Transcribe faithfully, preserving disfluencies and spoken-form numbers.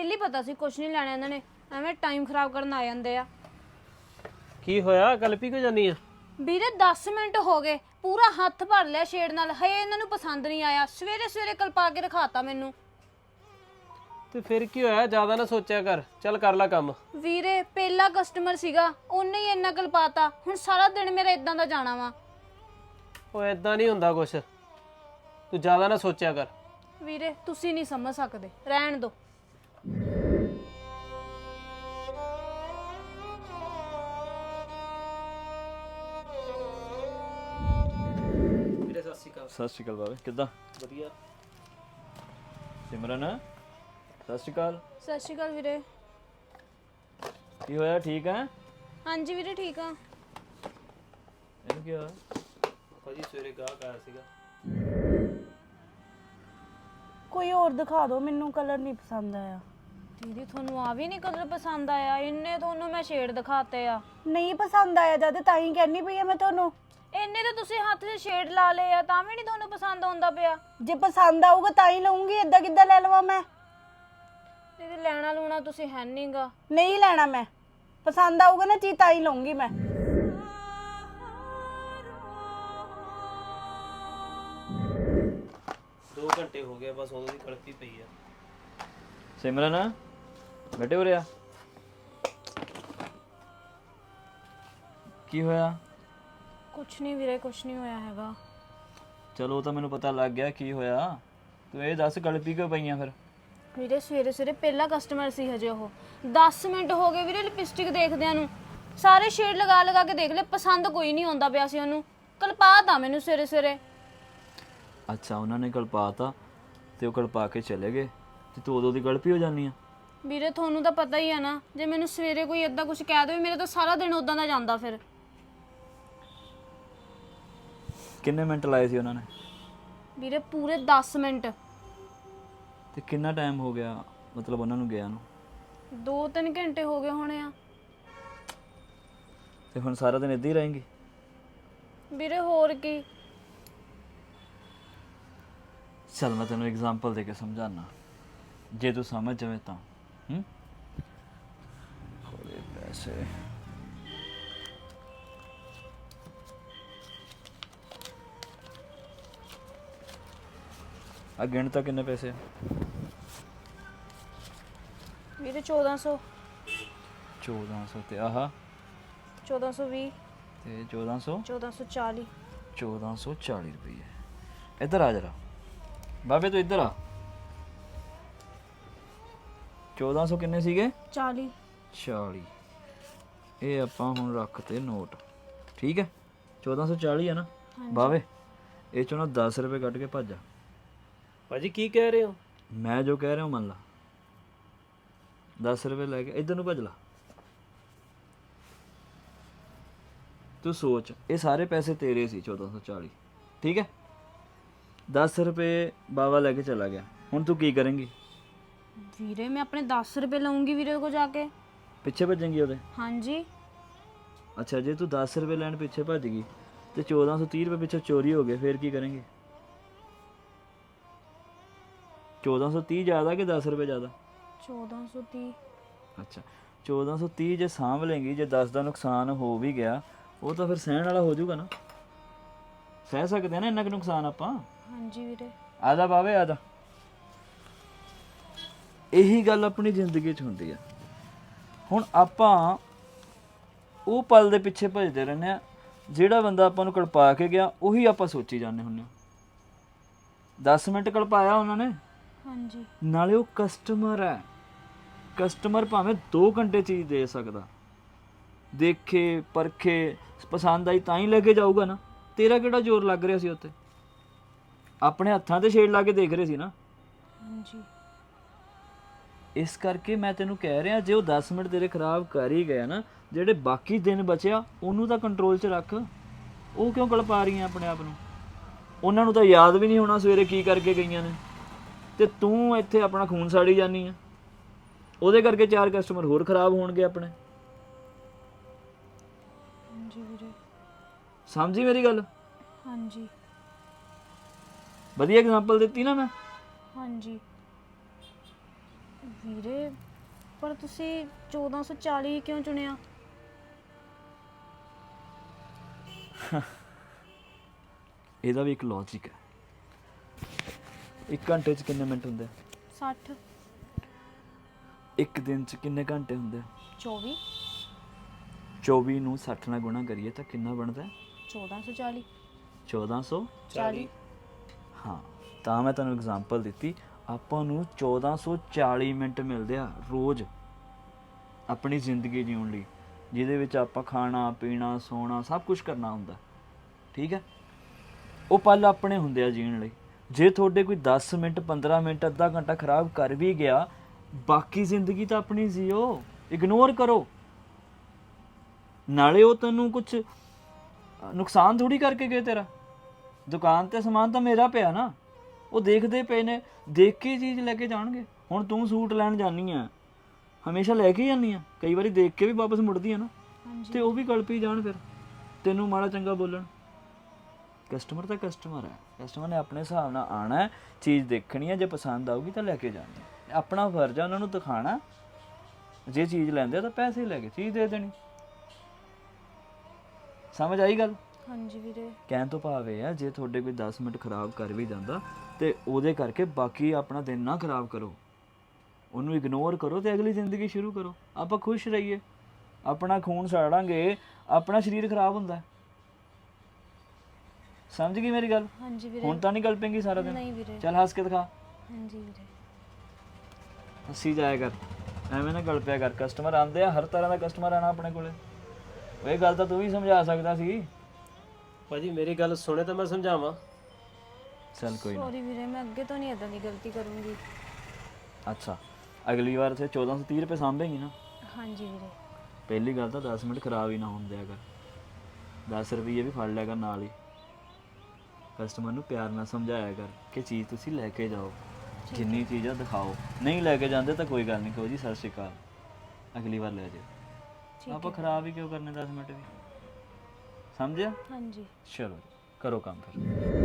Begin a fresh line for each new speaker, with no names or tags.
ਪਹਿਲੀ ਪਤਾ ਸੀ ਕੁਛ ਨਹੀਂ ਲੈਣਾ ਇਹਨਾਂ ਨੇ, ਐਵੇਂ ਟਾਈਮ ਖਰਾਬ ਕਰਨ ਆ ਜਾਂਦੇ ਆ।
ਕੀ ਹੋਇਆ ਕਲਪੀ ਕਿਉਂ ਜਾਨੀ ਆ?
ਵੀਰੇ ਦਸ ਮਿੰਟ ਹੋ ਗਏ, ਪੂਰਾ ਹੱਥ ਭਰ ਲਿਆ ਸ਼ੇਡ ਨਾਲ, ਹਏ ਇਹਨਾਂ ਨੂੰ ਪਸੰਦ ਨਹੀਂ ਆਇਆ। ਸਵੇਰੇ ਸਵੇਰੇ ਕਲਪਾ ਕੇ ਰਖਾਤਾ ਮੈਨੂੰ।
ਤੇ ਫਿਰ ਕੀ ਹੋਇਆ? ਜ਼ਿਆਦਾ ਨਾ ਸੋਚਿਆ ਕਰ, ਚੱਲ ਕਰ ਲੈ ਕੰਮ।
ਵੀਰੇ ਪਹਿਲਾ ਕਸਟਮਰ ਸੀਗਾ, ਉਹਨੇ ਹੀ ਇੰਨਾ ਕਲਪਾਤਾ, ਹੁਣ ਸਾਰਾ ਦਿਨ ਮੇਰਾ ਇਦਾਂ ਦਾ ਜਾਣਾ ਵਾ।
ਉਹ ਇਦਾਂ ਨਹੀਂ ਹੁੰਦਾ ਕੁਛ, ਤੂੰ ਜ਼ਿਆਦਾ ਨਾ ਸੋਚਿਆ ਕਰ।
ਵੀਰੇ ਤੁਸੀਂ ਨਹੀਂ ਸਮਝ ਸਕਦੇ, ਰਹਿਣ ਦੋ।
ਵੀਰੇ ਸਤਿ ਸ਼੍ਰੀ ਅਕਾਲ।
ਸਤਿ ਸ਼੍ਰੀ ਅਕਾਲ ਬਾਬੇ, ਕਿੱਦਾਂ?
ਵਧੀਆ।
ਸਿਮਰਨ ਸਤਿ ਸ਼੍ਰੀ ਅਕਾਲ।
ਸਤਿ ਸ਼੍ਰੀ ਅਕਾਲ ਵੀਰੇ।
ਕੀ ਹੋਇਆ, ਠੀਕ ਹੈ?
ਹਾਂਜੀ ਵੀਰੇ ਠੀਕ ਆ।
ਇਹਨੂੰ ਕੀ ਹੋਇਆ?
ਭਾਜੀ ਸਵੇਰੇ ਗਾਹਕ ਆਇਆ ਸੀਗਾ।
ਕੋਈ ਹੋਰ ਦਿਖਾ ਦਿਓ, ਮੈਨੂੰ ਕਲਰ ਨਹੀਂ ਪਸੰਦ ਆਇਆ।
ਦੀਦੀ ਤੁਹਾਨੂੰ ਆ ਵੀ ਨਹੀਂ ਕਲਰ ਪਸੰਦ ਆਇਆ? ਇੰਨੇ ਤੁਹਾਨੂੰ ਮੈਂ ਸ਼ੇਡ ਦਿਖਾਤੇ ਆ।
ਨਹੀਂ ਪਸੰਦ ਆਇਆ ਜਦ ਤਾਂ ਹੀ ਕਹਿਣੀ ਪਈ ਆ ਮੈਂ ਤੁਹਾਨੂੰ।
ਇੰਨੇ ਤਾਂ ਤੁਸੀਂ ਹੱਥ 'ਚ ਸ਼ੇਡ ਲਾ ਲਏ ਆ, ਤਾਂ ਵੀ ਨਹੀਂ ਤੁਹਾਨੂੰ ਪਸੰਦ ਆਉਂਦਾ ਪਿਆ।
ਜੇ ਪਸੰਦ ਆਊਗਾ ਤਾਂ ਹੀ ਲਵਾਂਗੀ, ਏਦਾਂ ਕਿੱਦਾਂ ਲੈ ਲਵਾਂ ਮੈਂ?
ਦੀਦੀ ਲੈਣਾ ਲੂਣਾ ਤੁਸੀਂ ਹੈ ਨਹੀਂਗਾ।
ਨਹੀਂ ਲੈਣਾ ਮੈਂ, ਪਸੰਦ ਆਊਗਾ ਨਾ ਚੀਜ਼ ਤਾਂ ਹੀ ਲਵਾਂਗੀ ਮੈਂ।
ਦੋ ਘੰਟੇ ਹੋ ਗਏ ਬਸ, ਉਦੋਂ ਦੀ ਕਲਪੀ ਪਈ ਆ।
ਸਿਮਰਨ ਬੈਠੇ ਹੋ ਰਿਹਾ? ਕੀ ਹੋਇਆ?
ਕੁਛ ਨਹੀਂ ਵੀਰੇ, ਕੁਛ ਨਹੀਂ ਹੋਇਆ ਹੈਗਾ।
ਚਲੋ ਉਹ ਤਾਂ ਮੈਨੂੰ ਪਤਾ ਲੱਗ ਗਿਆ ਕੀ ਹੋਇਆ, ਤੂੰ ਇਹ ਦੱਸ ਗਲਪੀ ਕਿਉਂ ਪਈਆਂ ਫਿਰ?
ਵੀਰੇ ਸਵੇਰੇ ਸਵੇਰੇ ਪਹਿਲਾ ਕਸਟਮਰ ਸੀ ਹਜੇ ਉਹ। ਦਸ ਮਿੰਟ ਹੋ ਗਏ ਵੀਰੇ ਲਿਪਸਟਿਕ ਦੇਖਦਿਆਂ ਨੂੰ, ਸਾਰੇ ਸ਼ੇਡ ਲਗਾ ਲਗਾ ਕੇ ਦੇਖ ਲਏ, ਪਸੰਦ ਕੋਈ ਨਹੀਂ ਆਉਂਦਾ ਪਿਆ ਸੀ ਉਹਨੂੰ। ਕਲਪਾਤਾ ਮੈਨੂੰ ਸਵੇਰੇ ਸਵੇਰੇ।
ਅੱਛਾ, ਉਹਨਾਂ ਨੇ ਕਲਪਾਤਾ ਤੇ ਉਹ ਕਲਪਾ ਕੇ ਚਲੇ ਗਏ ਤੇ ਤੂੰ ਉਦੋਂ ਦੀ ਗਲਪੀ ਹੋ ਜਾਨੀ ਆ?
ਵੀਰੇ ਤੁਹਾਨੂੰ ਤਾਂ ਪਤਾ ਹੀ ਆ ਨਾ, ਜੇ ਮੈਨੂੰ ਸਵੇਰੇ ਕੋਈ ਏਦਾਂ ਕੁਝ ਕਹਿ ਦੇਵੇ, ਮੇਰਾ ਤਾਂ ਸਾਰਾ ਦਿਨ ਉਦਾਂ ਦਾ ਜਾਂਦਾ ਫਿਰ।
ਕਿੰਨੇ ਮਿੰਟ ਲਾਏ ਸੀ ਉਹਨਾਂ ਨੇ?
ਵੀਰੇ ਪੂਰੇ ਦਸ ਮਿੰਟ।
ਤੇ ਕਿੰਨਾ ਟਾਈਮ ਹੋ ਗਿਆ ਮਤਲਬ ਉਹਨਾਂ ਨੂੰ ਗਿਆ ਨੂੰ?
ਦੋ ਤਿੰਨ ਘੰਟੇ ਹੋ ਗਏ ਹੋਣੇ ਆ।
ਤੇ ਹੁਣ ਸਾਰਾ ਦਿਨ ਇੱਦਾਂ ਹੀ ਰਹੇਂਗੀ?
ਵੀਰੇ ਹੋਰ ਕੀ।
ਚੱਲ ਮੈਂ ਤੈਨੂੰ ਐਗਜ਼ਾਮਪਲ ਦੇ ਕੇ ਸਮਝਾਣਾ, ਜੇ ਤੂੰ ਸਮਝ ਜਾਵੇਂ ਤਾਂ। ਹੂੰ ਕੋਲੇ ਪੈਸੇ ਆ ਗਿਣ ਤਾਂ ਕਿੰਨੇ ਪੈਸੇ ਆ?
ਵੀਰੇ ਚੌਦਾਂ ਸੌ।
ਚੌਦਾਂ ਸੌ ਤੇ ਆਹ
ਚੌਦਾਂ ਸੌ ਵੀਹ
ਤੇ ਚੌਦਾਂ ਸੌ
ਚੌਦਾਂ ਸੌ ਚਾਲੀ।
ਚੌਦਾਂ ਸੌ ਚਾਲੀ ਰੁਪਏ। ਇੱਧਰ ਆ ਜਰਾ ਬਾਬੇ, ਤੂੰ ਇੱਧਰ ਆ। ਚੌਦਾਂ ਸੌ ਕਿੰਨੇ ਸੀਗੇ?
ਚਾਲੀ।
ਚਾਲੀ। ਇਹ ਆਪਾਂ ਹੁਣ ਰੱਖਤੇ ਨੋਟ, ਠੀਕ ਹੈ? ਚੌਦਾਂ ਸੌ ਚਾਲੀ ਹੈ ਨਾ ਬਾਵੇ? ਇਹ ਚੋਂ ਨਾ ਦਸ ਰੁਪਏ ਕੱਢ ਕੇ ਭੱਜ ਜਾ।
ਭਾਜੀ ਕੀ ਕਹਿ ਰਹੇ ਹੋ?
ਮੈਂ ਜੋ ਕਹਿ ਰਿਹਾ ਮੰਨ ਲਾ। ਦਸ ਰੁਪਏ ਲੈ ਕੇ ਇੱਧਰ ਨੂੰ ਭੱਜ ਲਾ। ਤੂੰ ਸੋਚ, ਇਹ ਸਾਰੇ ਪੈਸੇ ਤੇਰੇ ਸੀ, ਚੌਦਾਂ ਸੌ ਚਾਲੀ, ਠੀਕ ਹੈ? ਦਸ ਰੁਪਏ ਬਾਵਾ ਲੈ ਕੇ ਚਲਾ ਗਿਆ, ਹੁਣ ਤੂੰ ਕੀ ਕਰੇਂਗੀ?
ਵੀਰੇ ਮੈਂ ਆਪਣੇ ਦਸ ਰੁਪਏ ਲਵਾਂਗੀ ਵੀਰੇ ਕੋਲ ਜਾ ਕੇ।
ਪਿੱਛੇ ਭੱਜੇਂਗੀ ਉਹਦੇ?
ਹਾਂਜੀ।
ਅੱਛਾ, ਜੇ ਤੂੰ ਦਸ ਰੁਪਏ ਲੈਣ ਪਿੱਛੇ ਭੱਜ ਗਈ ਤੇ ਚੌਦਾਂ ਸੌ ਤੀਹ ਰੁਪਏ ਪਿੱਛੇ ਚੋਰੀ ਹੋ ਗਏ, ਫਿਰ ਕੀ ਕਰੇਂਗੀ? ਚੌਦਾਂ ਸੌ ਤੀਹ ਜ਼ਿਆਦਾ ਕਿ ਦਸ ਰੁਪਏ ਜ਼ਿਆਦਾ?
ਚੌਦਾਂ ਸੌ ਤੀਹ।
ਅੱਛਾ, ਚੌਦਾਂ ਸੌ ਤੀਹ ਜੇ ਸਾਂਭ ਲੇਂਗੀ, ਜੇ ਦਸ ਦਾ ਨੁਕਸਾਨ ਹੋ ਵੀ ਗਿਆ ਉਹ ਤਾਂ ਫਿਰ ਸਹਿਣ ਵਾਲਾ ਹੋ ਜਾਊਗਾ ਨਾ। ਸਹਿ ਸਕਦੇ ਆ ਨਾ ਇੰਨਾ ਕੁ ਨੁਕਸਾਨ ਆਪਾਂ।
ਹਾਂਜੀ ਵੀਰੇ।
ਆ ਜਾ ਬਾਵੇ, ਆ ਜਾ। ਇਹੀ ਗੱਲ ਆਪਣੀ ਜ਼ਿੰਦਗੀ 'ਚ ਹੁੰਦੀ ਆ। ਹੁਣ ਆਪਾਂ ਉਹ ਪਲ ਦੇ ਪਿੱਛੇ ਭੱਜਦੇ ਰਹਿੰਦੇ ਆ, ਜਿਹੜਾ ਬੰਦਾ ਆਪਾਂ ਨੂੰ ਕਲਪਾ ਕੇ ਗਿਆ ਉਹੀ ਆਪਾਂ ਸੋਚੀ ਜਾਂਦੇ ਹੁੰਦੇ ਆ। ਦਸ ਮਿੰਟ ਕਲਪਾਇਆ ਉਹਨਾਂ ਨੇ,
ਹਾਂਜੀ।
ਨਾਲੇ ਉਹ ਕਸਟਮਰ ਹੈ। ਕਸਟਮਰ ਭਾਵੇਂ ਦੋ ਘੰਟੇ ਚੀਜ਼ ਦੇ ਸਕਦਾ, ਦੇਖੇ ਪਰਖੇ ਪਸੰਦ ਆਈ ਤਾਂ ਹੀ ਲੈ ਕੇ ਜਾਊਗਾ ਨਾ। ਤੇਰਾ ਕਿਹੜਾ ਜ਼ੋਰ ਲੱਗ ਰਿਹਾ ਸੀ ਉੱਤੇ? ਆਪਣੇ ਹੱਥਾਂ ਤੇ ਸ਼ੇਡ ਲਾ ਕੇ ਦੇਖ ਰਹੇ ਸੀ ਨਾ।
ਹਾਂਜੀ।
ਇਸ ਕਰਕੇ ਮੈਂ ਤੈਨੂੰ ਕਹਿ ਰਿਹਾ, ਜੇ ਉਹ ਦਸ ਮਿੰਟ ਤੇਰੇ ਖਰਾਬ ਕਰ ਹੀ ਗਿਆ ਨਾ, ਜਿਹੜੇ ਬਾਕੀ ਦਿਨ ਬਚਿਆ ਉਹਨੂੰ ਤਾਂ ਕੰਟਰੋਲ 'ਚ ਰੱਖ। ਉਹ ਕਿਉਂ ਕਲਪਾ ਰਹੀਆਂ ਆਪਣੇ ਆਪ ਨੂੰ? ਉਹਨਾਂ ਨੂੰ ਤਾਂ ਯਾਦ ਵੀ ਨਹੀਂ ਹੋਣਾ ਸਵੇਰੇ ਕੀ ਕਰਕੇ ਗਈਆਂ ਨੇ, ਤੇ ਤੂੰ ਇੱਥੇ ਆਪਣਾ ਖੂਨ ਸਾੜੀ ਜਾਂਦੀ ਆ। ਉਹਦੇ ਕਰਕੇ ਚਾਰ ਕਸਟਮਰ ਹੋਰ ਖਰਾਬ ਹੋਣਗੇ ਆਪਣੇ।
ਹਾਂਜੀ ਵੀਰੇ।
ਸਮਝੀ ਮੇਰੀ ਗੱਲ?
ਹਾਂਜੀ।
ਵਧੀਆ ਐਗਜ਼ਾਮਪਲ ਦਿੱਤੀ ਨਾ ਮੈਂ?
ਹਾਂਜੀ। ਵੀਰੇ ਪਰ ਤੁਸੀਂ ਚੌਦਾਂ ਸੌ ਚਾਲੀ ਕਿਉਂ ਚੁਣਿਆ?
ਇਹਦਾ ਵੀ ਇੱਕ ਲੌਜੀਕ ਹੈ। ਇੱਕ ਘੰਟੇ 'ਚ ਕਿੰਨੇ ਮਿੰਟ ਹੁੰਦੇ ਆ?
ਸੱਠ।
ਇੱਕ ਦਿਨ 'ਚ ਕਿੰਨੇ ਘੰਟੇ ਹੁੰਦੇ ਆ?
ਚੌਵੀ।
ਚੌਵੀ ਨੂੰ ਸੱਠ ਨਾਲ ਗੁਣਾ ਕਰੀਏ ਤਾਂ ਕਿੰਨਾ ਬਣਦਾ?
ਚੌਦਾਂ ਸੌ ਚਾਲੀ।
ਚੌਦਾਂ ਸੌ
ਚਾਲੀ।
ਹਾਂ, ਤਾਂ ਮੈਂ ਤੁਹਾਨੂੰ ਐਗਜ਼ਾਮਪਲ ਦਿੱਤੀ। ਆਪਾਂ ਨੂੰ ਚੌਦਾਂ ਸੌ ਚਾਲੀ ਮਿੰਟ ਮਿਲਦੇ ਆ ਰੋਜ਼ ਆਪਣੀ ਜ਼ਿੰਦਗੀ ਜਿਉਣ ਲਈ, ਜਿਹਦੇ ਵਿੱਚ ਆਪਾਂ ਖਾਣਾ ਪੀਣਾ ਸੌਣਾ ਸਭ ਕੁਝ ਕਰਨਾ ਹੁੰਦਾ। ਠੀਕ ਹੈ, ਉਹ ਪਲ ਆਪਣੇ ਹੁੰਦੇ ਆ ਜੀਣ ਲਈ। ਜੇ ਤੁਹਾਡੇ ਕੋਈ ਦਸ ਮਿੰਟ ਪੰਦਰਾਂ ਮਿੰਟ ਅੱਧਾ ਘੰਟਾ ਖਰਾਬ ਕਰ ਵੀ ਗਿਆ, ਬਾਕੀ ਜ਼ਿੰਦਗੀ ਤਾਂ ਆਪਣੀ ਜੀਓ, ਇਗਨੋਰ ਕਰੋ। ਨਾਲੇ ਉਹ ਤੈਨੂੰ ਕੁਝ ਨੁਕਸਾਨ ਥੋੜੀ ਕਰਕੇ ਗਏ। ਤੇਰਾ ਦੁਕਾਨ ਤੇ ਸਮਾਨ ਤਾਂ ਮੇਰਾ ਪਿਆ ਨਾ, ਉਹ ਦੇਖਦੇ ਪਏ ਨੇ, ਦੇਖ ਕੇ ਚੀਜ਼ ਲੈ ਕੇ ਜਾਣਗੇ। ਹੁਣ ਤੂੰ ਸੂਟ ਲੈਣ ਜਾਨੀ ਆ, ਹਮੇਸ਼ਾ ਲੈ ਕੇ ਜਾਨੀ ਆ, ਕਈ ਵਾਰੀ ਦੇਖ ਕੇ ਵੀ ਵਾਪਸ ਮੁੜਦੀ ਆ ਨਾ, ਤੇ ਉਹ ਵੀ ਕਲਪੀ ਜਾਣ ਫਿਰ ਤੈਨੂੰ ਮਾੜਾ ਚੰਗਾ ਬੋਲਣ। ਕਸਟਮਰ ਤਾਂ ਕਸਟਮਰ ਹੈ, ਕਸਟਮਰ ਨੇ ਆਪਣੇ ਹਿਸਾਬ ਨਾਲ ਆਣਾ ਹੈ, ਚੀਜ਼ ਦੇਖਣੀ ਹੈ, ਜੇ ਪਸੰਦ ਆਊਗੀ ਤਾਂ ਲੈ ਕੇ ਜਾਣੀ ਹੈ। ਆਪਣਾ ਫਰਜ਼ ਹੈ ਉਹਨਾਂ ਨੂੰ ਦਿਖਾਣਾ। ਜੇ ਚੀਜ਼ ਲੈਂਦੇ ਤਾਂ ਪੈਸੇ ਲੈ ਕੇ ਚੀਜ਼ ਦੇ ਦੇਣੀ। ਸਮਝ ਆਈ ਗੱਲ?
ਹਾਂਜੀ ਵੀਰੇ।
ਕਹਿਣ ਤੋਂ ਭਾਵ ਇਹ ਹੈ, ਜੇ ਤੁਹਾਡੇ ਕੋਈ ਦਸ ਮਿੰਟ ਖਰਾਬ ਕਰ ਵੀ ਜਾਂਦਾ ਤੇ ਉਹਦੇ ਕਰਕੇ ਬਾਕੀ ਆਪਣਾ ਦਿਨ ਨਾ ਖਰਾਬ ਕਰੋ, ਉਹਨੂੰ ਇਗਨੋਰ ਕਰੋ ਤੇ ਅਗਲੀ ਜ਼ਿੰਦਗੀ ਸ਼ੁਰੂ ਕਰੋ। ਆਪਾਂ ਖੁਸ਼ ਰਹੀਏ। ਆਪਣਾ ਖੂਨ ਸਾੜਾਂਗੇ, ਆਪਣਾ ਸਰੀਰ ਖਰਾਬ ਹੁੰਦਾ। ਸਮਝ ਗਈ ਮੇਰੀ ਗੱਲ?
ਹਾਂਜੀ ਵੀਰੇ।
ਹੁਣ ਤਾਂ ਨਹੀਂ ਗੱਲ ਪੈਂਗੀ ਸਾਰਾ ਦਿਨ?
ਨਹੀਂ ਵੀਰੇ।
ਚੱਲ ਹੱਸ ਕੇ ਦਿਖਾ।
ਹਾਂਜੀ ਵੀਰੇ।
ਹੱਸੀ ਜਾਇਆ ਕਰ, ਐਵੇਂ ਨਾ ਗੱਲ ਪਿਆ ਕਰ। ਕਸਟਮਰ ਆਉਂਦੇ ਆ, ਹਰ ਤਰ੍ਹਾਂ ਦਾ ਕਸਟਮਰ ਆਣਾ ਆਪਣੇ ਕੋਲੇ। ਇਹ ਗੱਲ ਤਾਂ ਤੂੰ ਵੀ ਸਮਝਾ ਸਕਦਾ ਸੀ।
ਭਾਜੀ ਮੇਰੀ ਗੱਲ ਸੁਣੇ ਤਾਂ ਮੈਂ ਸਮਝਾਵਾਂ।
ਚੱਲ ਕੋਈ ਨਾ।
ਸੌਰੀ ਵੀਰੇ, ਮੈਂ ਅੱਗੇ ਤੋਂ ਨਹੀਂ ਇਦਾਂ ਦੀ ਗਲਤੀ ਕਰੂੰਗੀ।
ਅੱਛਾ, ਅਗਲੀ ਵਾਰ ਤੇ ਚੌਦਾਂ ਸੌ ਤੀਹ ਰੁਪਏ ਸਾਂਭੇਗੀ ਨਾ?
ਹਾਂਜੀ ਵੀਰੇ।
ਪਹਿਲੀ ਗੱਲ ਤਾਂ ਦਸ ਮਿੰਟ ਖਰਾਬ ਹੀ ਨਾ ਹੁੰਦੇ ਅਗਰ ਦਸ ਰੁਪਏ ਵੀ ਫੜ ਲਿਆ ਕਰ ਨਾਲ ਹੀ। ਕਸਟਮਰ ਨੂੰ ਪਿਆਰ ਨਾਲ ਸਮਝਾਇਆ ਕਰ ਕਿ ਚੀਜ਼ ਤੁਸੀਂ ਲੈ ਕੇ ਜਾਓ, ਜਿੰਨੀ ਚੀਜ਼ ਆ ਦਿਖਾਓ। ਨਹੀਂ ਲੈ ਕੇ ਜਾਂਦੇ ਤਾਂ ਕੋਈ ਗੱਲ ਨਹੀਂ, ਕਹੋ ਜੀ ਸਤਿ ਸ਼੍ਰੀ ਅਕਾਲ, ਅਗਲੀ ਵਾਰ ਲੈ ਜਾਓ। ਆਪਾਂ ਖਰਾਬ ਹੀ ਕਿਉਂ ਕਰਨੇ ਦਸ ਮਿੰਟ ਵੀ? ਸਮਝਿਆ?
ਹਾਂਜੀ।
ਚਲੋ ਕਰੋ ਕੰਮ ਫਿਰ।